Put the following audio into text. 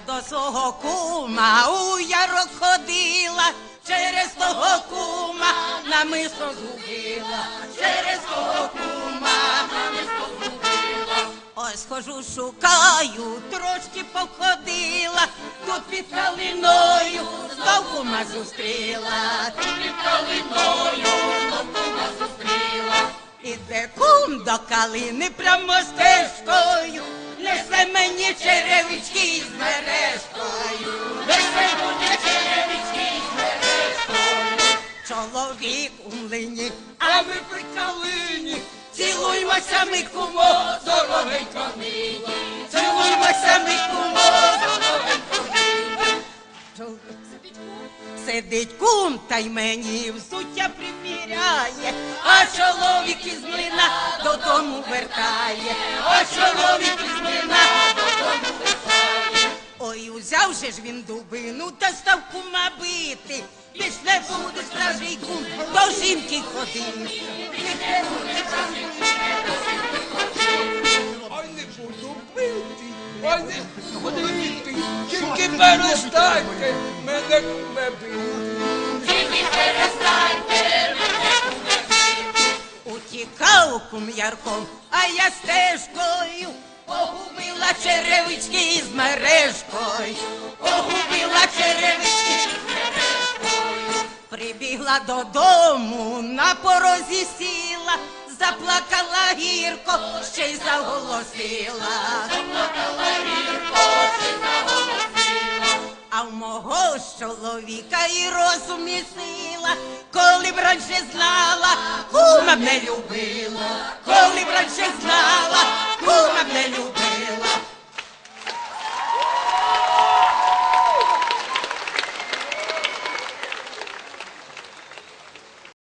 до свого кума у ярок ходила, через того кума намисто згубила, через того кума намисто згубила. Ось хожу, шукаю, трошки походила, тут під калиною знов кума зустріла, тут під калиною знов кума зустріла. Іде кум до калини прямо стежкою, несе мені черевички з мережкою, несе мені черевички з мережкою. Чоловік у млині, а ми при калині, цілуймося ми, кумо, дорогенько нині, цілуймося ми, кумо, дорогенько нині. Сидить кум, та й мені взуття приміряє, а чоловік із млина додому вертає, а чоловік із млина додому вертає. Ой, узяв же ж він дубину та став кума бити, більш не буде стражий кум до жінки ходити. Ой, не буду бити, ой, не буду бити, тільки перестаньте мене куме бити. Тільки перестаньте мене куме бити. Утікав кум ярком, а я стежкою погубила черевички з мережкою, погубила черевички з мережкою. Прибігла додому, на порозі сіла, заплакала гірко, ще й заголосила. Заплакала гірко, ще й заголосила. А в мого ж чоловіка і розум, і сила, коли б раніше знала, кума б не любила, коли б раніше знала.